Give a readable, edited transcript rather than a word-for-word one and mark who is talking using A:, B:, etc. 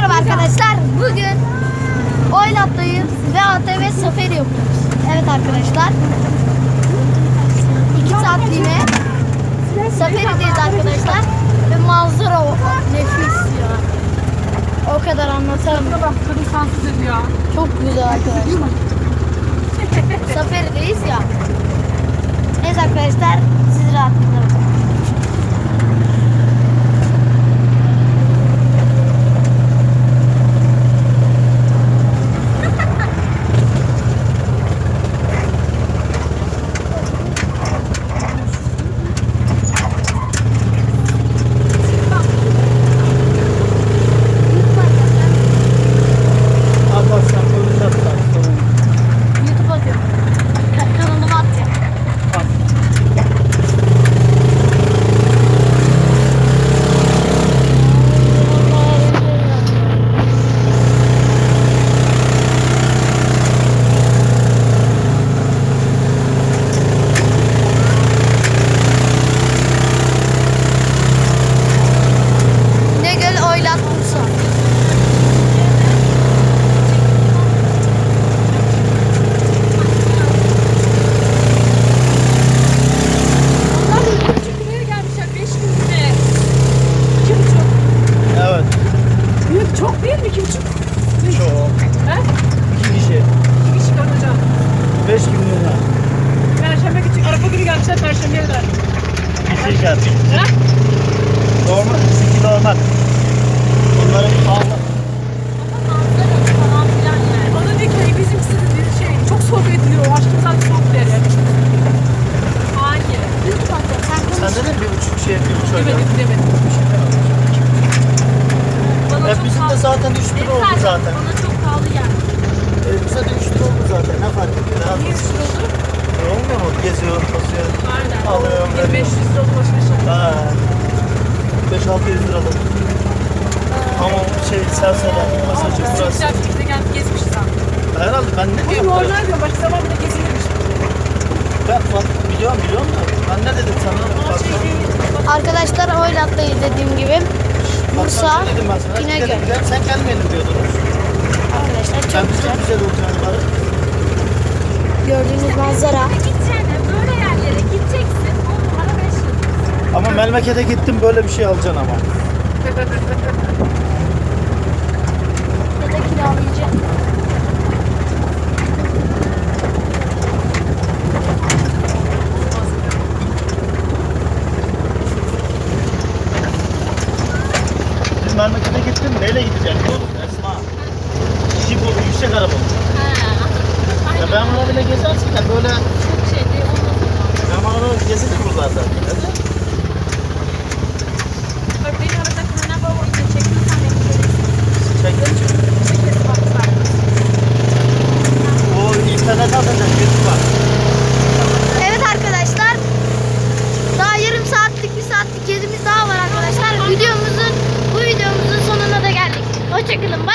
A: Merhaba arkadaşlar. Bugün Oylat'tayız ve ATV safari yapıyoruz. Evet arkadaşlar. 2 saatliğine safarideyiz arkadaşlar. Ve manzara nefis ya. O kadar anlatamam.
B: Kadın sansız ediyor.
A: Çok güzel arkadaşlar. Safarideyiz ya. Neyse arkadaşlar, siz rahatlıkla bakın. YouTube atıyorum. Kanalıma atacağım. İnegöl Oylat Bursa.
B: Buraya gelmişler 5 günde. 2,5.
C: Evet.
B: Büyük çok değil mi? 2,5.
C: Çok.
B: He?
C: 2 kişi.
B: 2 kişi kalacağım.
C: 5 günlüğüne.
B: Perşembe küçük. Arafa günü gelmişler. Perşembeye kadar.
C: 2 şart.
B: He?
C: Normal. 2 normal. Onların pahalı.
B: Bana diyor ki bizimkisi de şey çok soğuk ediliyor. Aşkım zaten soğuk deri. Hayır.
C: Sen dedin 1,5 şey 1,5 öyle.
B: Demedim. Bana
C: Ya
B: çok
C: bizim de
B: pahalı.
C: zaten 3 lira oldu zaten.
B: Bana çok pahalı geldi.
C: Bize de 3 lira oldu zaten. Ne fark etti? Daha
B: Niye üstü olur?
C: olmuyor mu? Geziyorum, basıyorum.
B: Aynen.
C: Alıyorum,
B: Bir
C: veriyorum.
B: 500 lira boş boş.
C: Ha. 5-600 liralık. Ama şey serseri, masajı,
B: Çok
C: burası.
B: güzel bir şekilde gelip gezmişiz abi.
C: Herhalde ben ne
B: Bu
C: diyeyim?
B: normal diyor. Başka zaman bile gezilirmiş.
C: Ben biliyorum da. Ben ne dedim sana?
B: Ama şey değil.
A: Arkadaşlar Oylat'tayız dediğim gibi. Bursa,
C: Dedim ben sana.
A: İnegöl.
C: Gidelim, sen gelmeyelim diyordunuz.
A: Arkadaşlar
C: Ben
A: çok
C: çok
A: güzel.
C: güzel olacağını bari.
A: Gördüğünüz manzara.
B: Gideceksin. Böyle yerlere gideceksin. 10 numara 5 yıl.
C: Ama Melmeket'e gittim böyle bir şey alacaksın ama.
A: Ya da kiralayacağım.
C: Biz Melmeket'e gittim neyle gideceksin oğlum Esma? Jip olur, yüksek araba olur. Ya ben arabayla gezersin de böyle...
B: Çok şey değil.
C: Ben arabayla gezerim buralarda.
B: Bak beni arada kırına baba için çekiyorsan beni görürsün.
C: Çektim.
B: Bir kez bak var.
C: O internete atacak YouTube var.
A: Evet arkadaşlar. Daha yarım saatlik, bir saatlik gezimiz daha var arkadaşlar. Bu videomuzun sonuna da geldik. Hoşçakalın.